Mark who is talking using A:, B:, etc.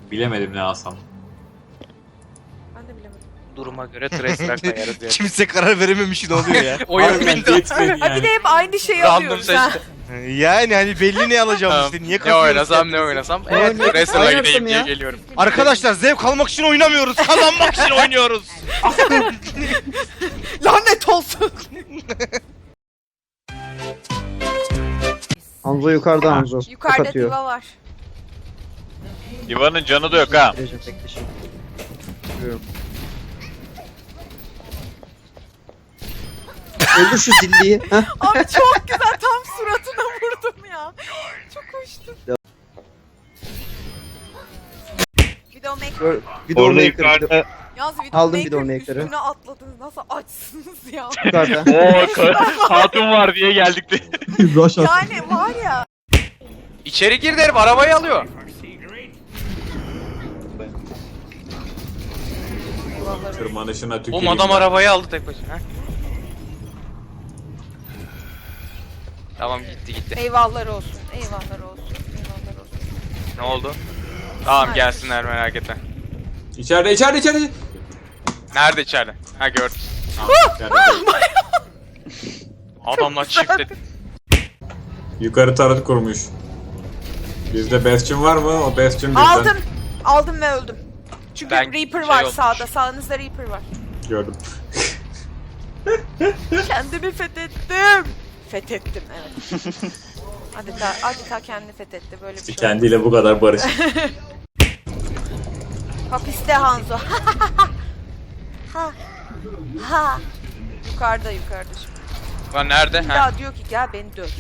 A: Bilemedim ne alsam.
B: Ben de bilemedim.
C: Duruma göre trace'ler koyarız yani.
D: Kimse karar verememiş ne oluyor ya?
C: Oyun
A: Harbiden
C: bitti.
A: yetmedi
B: Ha bir de
A: yani.
B: hep aynı şeyi
C: Random
B: alıyoruz ha.
C: seçti.
D: Yani hani belli ne alacağım işte. Niye
C: Ne
D: kazıyoruz
C: oynasam
D: ya?
C: ne oynasam.
E: Ne
C: Evet
E: oynayayım?
C: Tracer'la
E: Oynarsam
C: gideyim diye
E: ya.
C: geliyorum.
D: Arkadaşlar zevk almak için oynamıyoruz. Kazanmak için oynuyoruz.
B: Lanet olsun.
E: Hanzo yukarıda Hanzo.
B: Yukarıda
E: Ok atıyor.
B: diva var.
F: Diva'nın canı da yok ha.
E: Recep bekle şimdi. Görüyorum. Öldür şu zilliyi. Heh.
B: Abi çok güzel tam suratına vurdum ya. Çok hoştu. Widowmaker.
E: Widowmaker.
B: Yalnız
E: Aldım
B: Widowmaker'ın
E: Widowmaker'ı.
B: üstüne atladınız. Nasıl açsınız ya.
E: Yukarıda.
F: Oo hatun var diye geldik de.
E: Rush at.
B: Yani var ya.
C: İçeri gir derim arabayı alıyor.
A: Tırmanışına
C: Oğlum
A: tüküreyim.
C: adam
A: ben.
C: arabayı aldı tek başına. Ha? Tamam gitti.
B: Eyvahlar olsun. Eyvahlar olsun. Eyvahlar olsun.
C: Ne oldu? Tamam
B: Hayır.
C: gelsinler merak etme.
A: İçeride.
C: Nerede içeride? Ha gördüm.
A: İçeride.
C: Adamlar çiftledi.
A: Yukarı tarot kurmuş. Bizde Bastion var mı? O Bastion bizden.
B: Aldım. Aldım ve öldüm. Çünkü
C: Ben
B: Reaper
C: şey
B: var
C: olmuş.
B: sağda. Sağınızda Reaper var.
A: Gördüm.
B: Kendimi fethettim. Fethettim evet. Adeta kendini fethetti böyle bir şey.
A: Kendiyle bu kadar barış.
B: Hapiste Hanzo. ha. Ha. Yukarıda şimdi.
C: Lan nerede? Ha.
B: Ya diyor ki gel beni döv.